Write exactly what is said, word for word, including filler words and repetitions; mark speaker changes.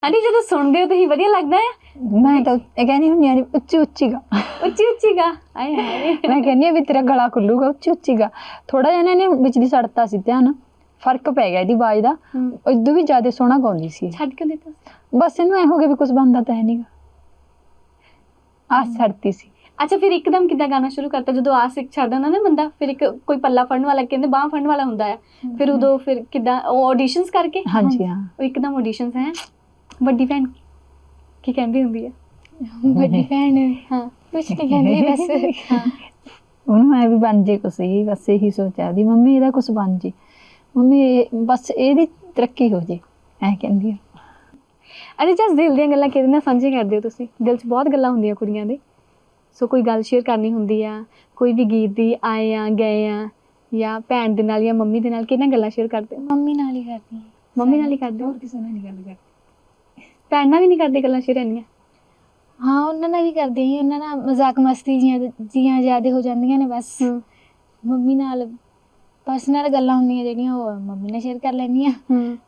Speaker 1: Aunty ਜਦੋਂ ਸੁਣਦੇ ਹੋ ਤੁਸੀਂ ਵਧੀਆ ਲੱਗਦਾ ਹੈ।
Speaker 2: ਮੈਂ ਤਾਂ ਇਹ ਕਹਿੰਦੀ ਹੁੰਦੀ ਆ ਉੱਚੀ ਉੱਚੀ ਗਾ,
Speaker 1: ਉੱਚੀ ਉੱਚੀ ਗਾ ਆਏ ਹਾਏ।
Speaker 2: ਮੈਂ ਕਹਿੰਦੀ ਆ ਵੀ ਤੇਰਾ ਗਲਾ ਖੁੱਲੂਗਾ ਉੱਚੀ ਉੱਚੀ ਗਾ। ਥੋੜਾ ਜਿਹਾ ਇਹਨੇ ਵਿੱਚ ਦੀ ਸੜਤਾ ਸੀ ਧਿਆਨ, ਫਰਕ ਪੈ ਗਿਆ ਇਹਦੀ ਆਵਾਜ਼ ਦਾ। ਇਦੋਂ ਵੀ ਜ਼ਿਆਦਾ ਸੋਹਣਾ ਗਾਉਂਦੀ ਸੀ।
Speaker 1: ਛੱਡ ਕਿਉਂ ਦਿੱਤਾ?
Speaker 2: ਬਸ ਇਹਨੂੰ ਐ ਹੋ ਗਿਆ ਵੀ ਕੁਝ ਬਣਦਾ ਤਾਂ ਹੈ ਨਹੀਂਗਾ, ਆਸ ਛੱਡਤੀ ਸੀ।
Speaker 1: ਅੱਛਾ ਫਿਰ ਇੱਕਦਮ ਕਿੱਦਾਂ ਗਾਣਾ ਸ਼ੁਰੂ ਕਰਤਾ ਜਦੋਂ ਆਸ ਇੱਕ ਛੱਡ ਦਿੰਦਾ ਨਾ ਬੰਦਾ, ਫਿਰ ਇੱਕ ਕੋਈ ਪੱਲਾ ਫੜਨ ਵਾਲਾ ਕਹਿੰਦੇ ਬਾਂਹ ਫੜਨ ਵਾਲਾ ਹੁੰਦਾ ਹੈ, ਫਿਰ ਉਦੋਂ ਫਿਰ ਕਿੱਦਾਂ ਉਹ ਆਡੀਸ਼ਨਸ ਕਰਕੇ?
Speaker 2: ਹਾਂਜੀ ਹਾਂ,
Speaker 1: ਉਹ ਇੱਕਦਮ ਆਡੀਸ਼ਨਸ ਹੈ। ਵੱਡੀ ਭੈਣ ਕੀ ਕਹਿੰਦੀ ਹੁੰਦੀ ਹੈ?
Speaker 3: ਵੱਡੀ ਭੈਣ
Speaker 1: ਹਾਂ
Speaker 3: ਕੁਛ ਨਹੀਂ ਕਹਿੰਦੀ ਬਸ
Speaker 1: ਹਾਂ
Speaker 2: ਉਹਨੂੰ ਐ ਵੀ ਬਣ ਜੇ ਕੁਛ, ਹੀ ਬਸ ਇਹੀ ਸੋਚਿਆ ਦੀ ਮੰਮੀ ਇਹਦਾ ਕੁਛ ਬਣ ਜੇ, ਮੰਮੀ ਇਹ ਬਸ ਇਹਦੀ ਤਰੱਕੀ ਹੋ ਜੇ, ਐ ਕਹਿੰਦੀ ਆ।
Speaker 1: ਅਰੇ ਜਸ ਦਿਲ ਦੀਆਂ ਗੱਲਾਂ ਕਿਹਦੇ ਨਾਲ ਸਾਂਝੇ ਕਰਦੇ ਹੋ ਤੁਸੀਂ? ਦਿਲ 'ਚ ਬਹੁਤ ਗੱਲਾਂ ਹੁੰਦੀਆਂ ਕੁੜੀਆਂ ਦੇ, ਸੋ ਕੋਈ ਗੱਲ ਸ਼ੇਅਰ ਕਰਨੀ ਹੁੰਦੀ ਆ, ਕੋਈ ਵੀ ਗੀਤ ਦੀ ਆਏ ਆ ਗਏ ਆ, ਜਾਂ ਭੈਣ ਦੇ ਨਾਲ ਜਾਂ ਮੰਮੀ ਦੇ ਨਾਲ ਕਿਹਨਾਂ ਗੱਲਾਂ ਸ਼ੇਅਰ ਕਰਦੇ ਹੋ?
Speaker 3: ਮੰਮੀ ਨਾਲ ਹੀ ਕਰਦੀ ਹਾਂ।
Speaker 1: ਮੰਮੀ ਨਾਲ ਹੀ ਕਰਦੇ ਹੋ?
Speaker 2: ਹੋਰ ਕਿਸੇ ਨਾਲ ਨਹੀਂ ਗੱਲ ਕਰਦੀ।
Speaker 1: ਭੈਣ ਨਾਲ ਵੀ ਨਹੀਂ ਕਰਦੇ ਗੱਲਾਂ ਸ਼ੇਅਰ ਇੰਨੀਆਂ?
Speaker 3: ਹਾਂ ਉਹਨਾਂ ਨਾਲ ਵੀ ਕਰਦੀ ਹਾਂ, ਉਹਨਾਂ ਨਾਲ ਮਜ਼ਾਕ ਮਸਤੀ ਜੀਆਂ ਜੀਆਂ ਜ਼ਿਆਦਾ ਹੋ ਜਾਂਦੀਆਂ ਨੇ ਬਸ। ਮੰਮੀ ਨਾਲ ਪਰਸਨਲ ਗੱਲਾਂ ਹੁੰਦੀਆਂ ਜਿਹੜੀਆਂ ਉਹ ਮੰਮੀ ਨਾਲ ਸ਼ੇਅਰ ਕਰ ਲੈਂਦੀ ਹਾਂ।